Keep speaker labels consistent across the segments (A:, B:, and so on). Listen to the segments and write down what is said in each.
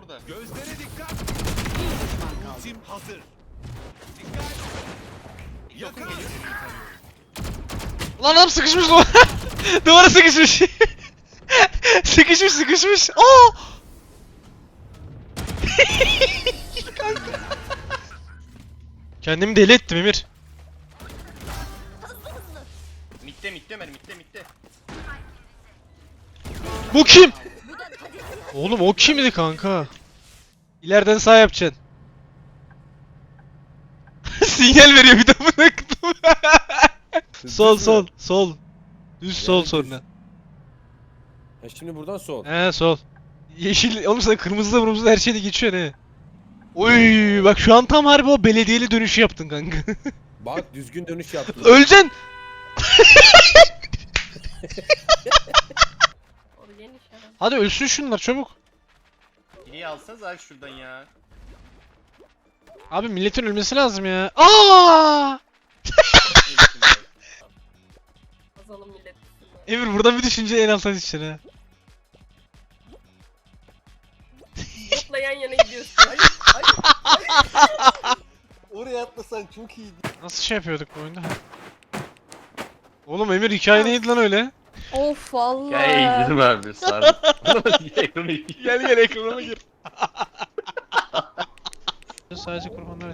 A: burada.
B: Gözlere dikkat. Ultim hazır. Dikkat.
A: Yakın
B: Yakar.
A: geliyor.
C: Lan adam sıkışmış lan. Duvara sıkışmış. sıkışmış. Aa! Kanka. Kendimi deli ettim Emir.
A: Mitte Ömer mitte.
C: Bu kim? Oğlum o kimdi kanka? İleriden sağ yapacaksın. Sinyal veriyor bir de bunu. Sol. Düz sol sonra.
D: Ha şimdi buradan sol.
C: He sol. Yeşil, oğlum sen kırmızı her şeyde geçiyor ne? Oy bak şu an tam harbi o belediyeli dönüşü yaptın kanka.
D: Bak düzgün dönüş yaptın.
C: Öleceksin. Hadi ölsün şunlar çabuk.
A: İyi alsanız abi şuradan ya.
C: Abi milletin ölmesi lazım ya. Aa!
E: Azalım millet.
C: Emir buradan bir düşünce en alttan içeri ha.
E: Botla yan yana gidiyorsun.
A: Oraya atlasan çok iyiydi.
C: Nasıl şey yapıyorduk bu oyunda? Oğlum Emir hikaye neydi lan öyle?
E: Of vallahi.
A: Gel izledim abi sardım.
C: Gel ekrana gir. Sadece kurbanlar et.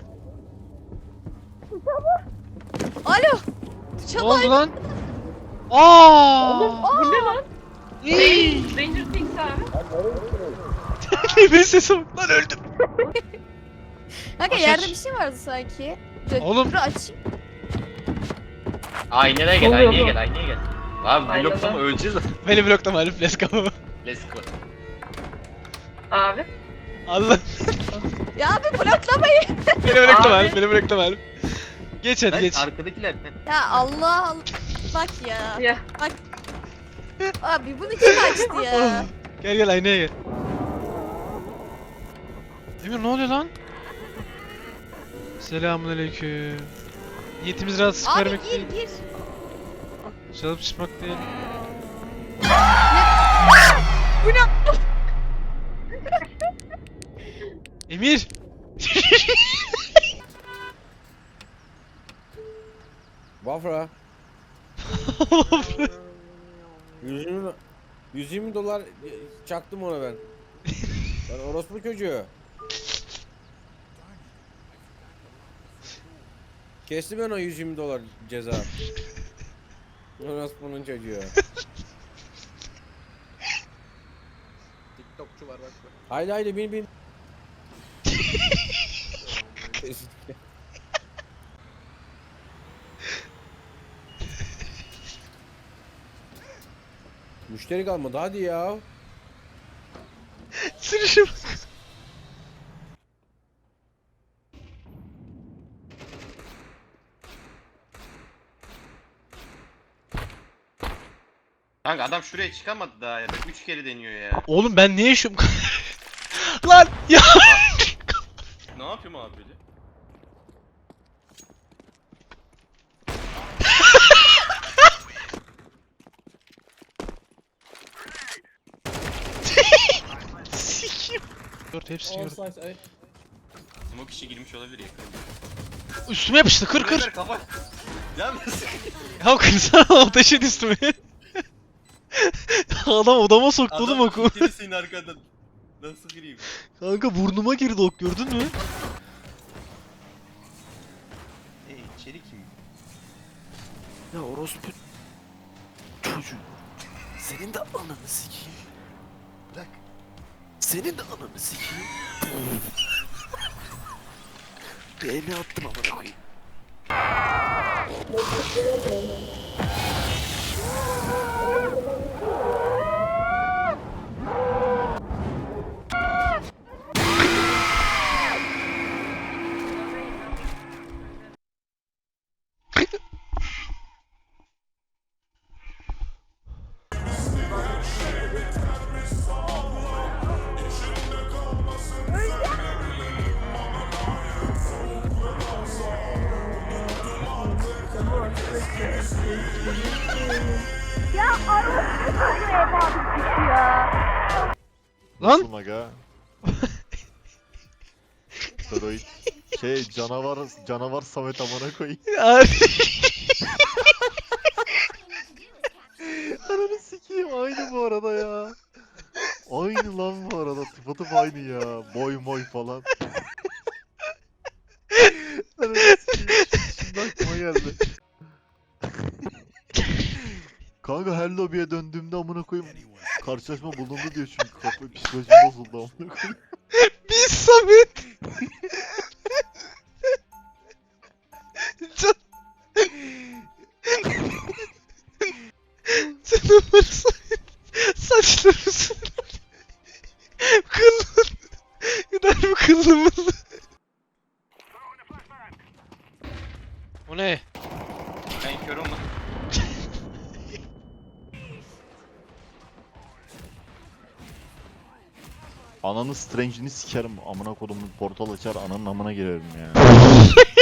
E: Alo.
C: Ne
E: Çalay.
C: oldu lan? Aa!
E: Bu ne lan?
C: İyi.
E: Stranger Things abi.
C: Emir'in sesi bak lan öldüm.
E: Kanka
C: Aç,
E: yerde
C: aç.
E: bir şey vardı sanki.
C: Oğlum.
E: Dur açayım.
A: Aynaya gel,
E: Oluyor
A: aynaya
E: bu.
A: gel, aynaya gel. Abi
E: Aynada.
A: bloklama öleceğiz.
C: Beni bloklama Alif, let's go.
A: Let's go.
E: Abi.
C: Allah.
E: Ya abi bloklamayın.
C: Beni bloklama
E: Abi.
C: Alif, beni bloklama Alif. Geç hadi
A: Lan
C: geç.
A: arkadakiler.
E: Ya Allah Allah. Bak ya.
F: Ya.
E: Bak. Abi bunu kim açtı ya?
C: Gel aynaya gel. Emir ne oluyor lan? Selamünaleyküm. Niyetimiz rahatsızlık
E: Abi
C: vermek değil.
E: gir.
C: Çalıp çıkmak değil.
E: Bu ne?
C: Emir!
D: Vafra. 120 dolar çaktım ona ben. Ben orospu çocuğu. Kestim ben o 120 dolar ceza. Orospu'nun çocuğu.
A: TikTokçu var bak.
D: Haydi bin. Müşteri kalmadı hadi ya.
C: Sürüşe bak.
A: Kanka adam şuraya çıkamadı daha ya. 3 kere deniyor ya.
C: Oğlum ben niye şu... Lan ya!
A: Ne yapayım abi böyle?
C: Sikim. Dört hepsini gördüm.
A: Smoke işi girmiş olabilir ya.
C: Üstüme yapıştı kır.
A: Ömer kafa. Ya nasıl?
C: Ya kırsana ateş et üstüme. Adam odama soktu oğlum oku.
A: Adam senin arkadan. Nasıl gireyim?
C: Kanka burnuma girdi ok gördün mü?
A: İçeri kim?
G: Ya orospu çocuğu. Senin de ananı sikeyim.
A: Bırak.
G: Senin de ananı sikeyim. Bir elini attım amına koyayım.
C: Lan
H: Maga.
F: Steroid. Canavar Samet amına koyayım.
C: Abi.
F: Ananı sikeyim aynı bu arada ya. Aynı lan bu arada. Tıpatıp aynı ya. Boy moy falan. Ananı sikeyim. Şimdi aklıma geldi. Kanka her lobiye döndüğümde amına koyayım karşılaşma bulundu diyor çünkü kafa psikolojim bozuldu amına koyayım.
C: Biz Samet. Can... Canavar Samet. Saçlarımızın. Kıllın. Gider mi kıllımız? O ne?
A: Ben kör olmadım.
F: Ananı Strange'ini sikerim amına kodumun portal açar ananın amına girerim ya.